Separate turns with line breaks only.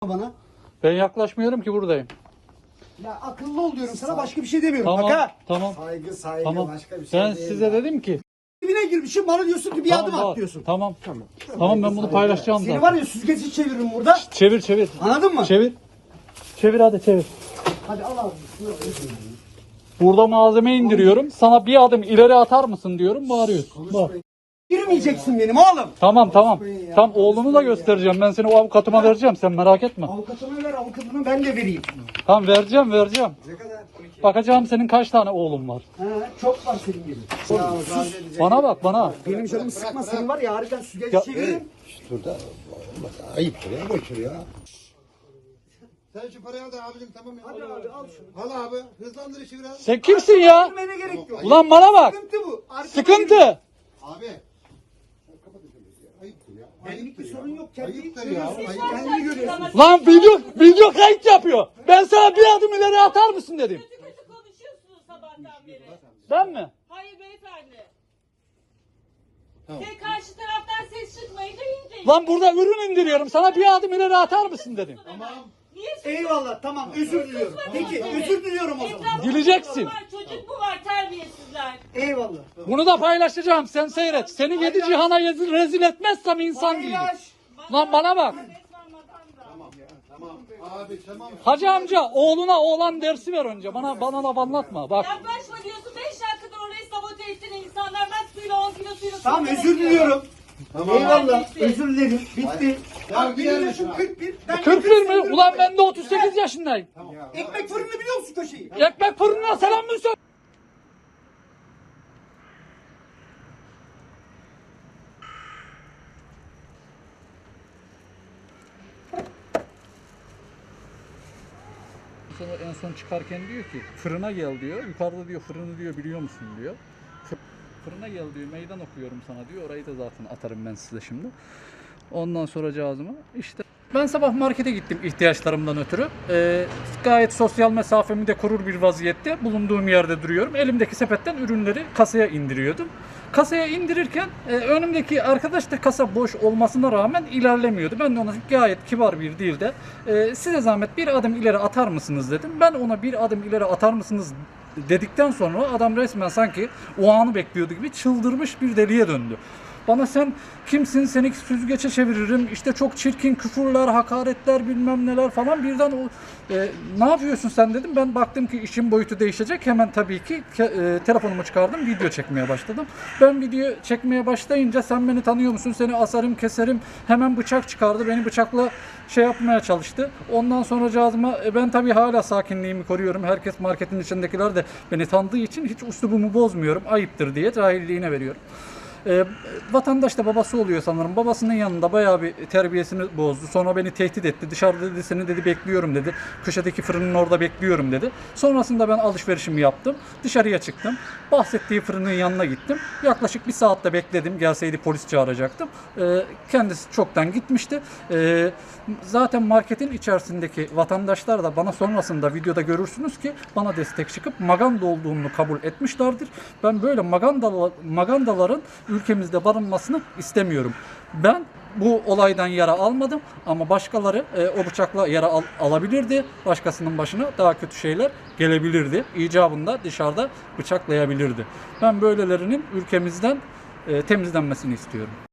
bana.
Ben yaklaşmıyorum ki, buradayım.
Ya akıllı ol diyorum sana, başka bir şey demiyorum.
Tamam,
Bak ha.
tamam,
Saygı
tamam.
başka bir şey
Ben
değil
size
ya.
dedim ki.
Dibine girmişim, bana diyorsun ki bir adım
bak,
at diyorsun.
Tamam. Tamam, ben bunu paylaşacağım
Seni
zaten.
var ya süzgeci çeviririm burada.
Çevir, çevir.
Anladın mı?
Çevir. Çevir, hadi çevir.
Hadi al abi.
Burada malzeme indiriyorum. Sana bir adım ileri atar mısın diyorum, bağırıyorsun. Bak.
Girmeyeceksin benim oğlum.
Tamam. Tam oğlunu da göstereceğim. Ben seni o avukatıma vereceğim. Sen merak etme.
Avukatına ver, avukatını ben de vereyim.
Tamam, vereceğim.
Ne kadar?
Bakacağım senin kaç tane oğlun var.
Ha, çok var senin gibi.
Bana bak, bana.
Benim canımı sıkma, senin var ya harbiden süzgeci çeviririm.
Şurada olmaz. Ayıptır ya, boşver ya. Sen şu parayı al da abicim, tamam ya.
Hadi abi al şunu.
Al abi, hızlandır işi biraz.
Sen kimsin ya?
Girmene gerek yok.
Ulan bana bak.
Sıkıntı bu. Arkada
Sıkıntı.
Abi. Sen kapat işi ya. Ayıptır ya.
Benlik bir
Ayıptır
sorun yok. Kendi
Ayıptır ya. Ayıp.
Kendini görüyorsun.
Lan video kayıt yapıyor. Ben sana bir adım ileri atar mısın dedim.
Kötü kötü konuşuyorsunuz sabahtan beri.
Ben mi?
Hayır beyefendi. Sen karşı taraftan ses çıkmayınca iyice.
Lan burada ürün indiriyorum. Sana bir adım ileri atar mısın dedim.
Tamam. Niye
Eyvallah, tamam, özür diliyorum. Peki özür diliyorum o zaman.
Etrafta
Güleceksin.
var, çocuk mu var terbiyesizler?
Eyvallah.
Bunu da paylaşacağım. Sen seyret. Seni yedi cihana rezil etmezsem insan değilim.
Paylaş.
Lan bana bak.
Resmen madam da.
Tamam. Abi tamam.
Hacı amca oğluna oğlan dersi ver önce. Bana laf anlatma. Bak.
Yaklaşma diyorsun 5 dakikadır orayı sabote ettin insanlar. Ben suyla 10 kilo suyla
Tamam,
suyla
özür diliyorum.
Tamam.
Eyvallah, özür dilerim. Bitti.
Ya
Bak
gider
benim
misin
yaşım
abi?
41. Ben
41 mi? Ulan ben de 38 yaşındayım.
ekmek fırını biliyor musun köşeyi?
Ekmek fırınına selam mı söyle? Sonra en son çıkarken diyor ki fırına gel diyor. Yukarıda diyor fırını diyor biliyor musun diyor. Fırına gel diyor, meydan okuyorum sana diyor. Orayı da zaten atarım ben size şimdi. Ondan sonra cihazıma işte. Ben sabah markete gittim ihtiyaçlarımdan ötürü. Gayet sosyal mesafemi de korur bir vaziyette bulunduğum yerde duruyorum. Elimdeki sepetten ürünleri kasaya indiriyordum. Kasaya indirirken önümdeki arkadaş da kasa boş olmasına rağmen ilerlemiyordu. Ben de ona gayet kibar bir dilde size zahmet bir adım ileri atar mısınız dedim. Ben ona bir adım ileri atar mısınız dedikten sonra adam resmen sanki o anı bekliyordu gibi çıldırmış bir deliye döndü. Bana sen kimsin, seni süzgece çeviririm, işte çok çirkin küfürler, hakaretler bilmem neler falan birden ne yapıyorsun sen dedim. Ben baktım ki işin boyutu değişecek. Hemen tabii ki telefonumu çıkardım, video çekmeye başladım. Ben video çekmeye başlayınca sen beni tanıyor musun, seni asarım keserim, hemen bıçak çıkardı. Beni bıçakla şey yapmaya çalıştı. Ondan sonra cihazıma ben tabii hala sakinliğimi koruyorum. Herkes marketin içindekiler de beni tanıdığı için hiç üslubumu bozmuyorum. Ayıptır diye cahilliğine veriyorum. Vatandaş da babası oluyor sanırım. Babasının yanında bayağı bir terbiyesini bozdu. Sonra beni tehdit etti. Dışarıda dedi seni dedi bekliyorum dedi. Köşedeki fırının orada bekliyorum dedi. Sonrasında ben alışverişimi yaptım. Dışarıya çıktım. Bahsettiği fırının yanına gittim. Yaklaşık bir saatte bekledim. Gelseydi polis çağıracaktım. Kendisi çoktan gitmişti. Zaten marketin içerisindeki vatandaşlar da bana sonrasında videoda görürsünüz ki bana destek çıkıp maganda olduğunu kabul etmişlerdir. Ben böyle magandaların ülkemizde barınmasını istemiyorum. Ben bu olaydan yara almadım ama başkaları o bıçakla yara alabilirdi. Başkasının başına daha kötü şeyler gelebilirdi. İcabında dışarıda bıçaklayabilirdi. Ben böylelerinin ülkemizden temizlenmesini istiyorum.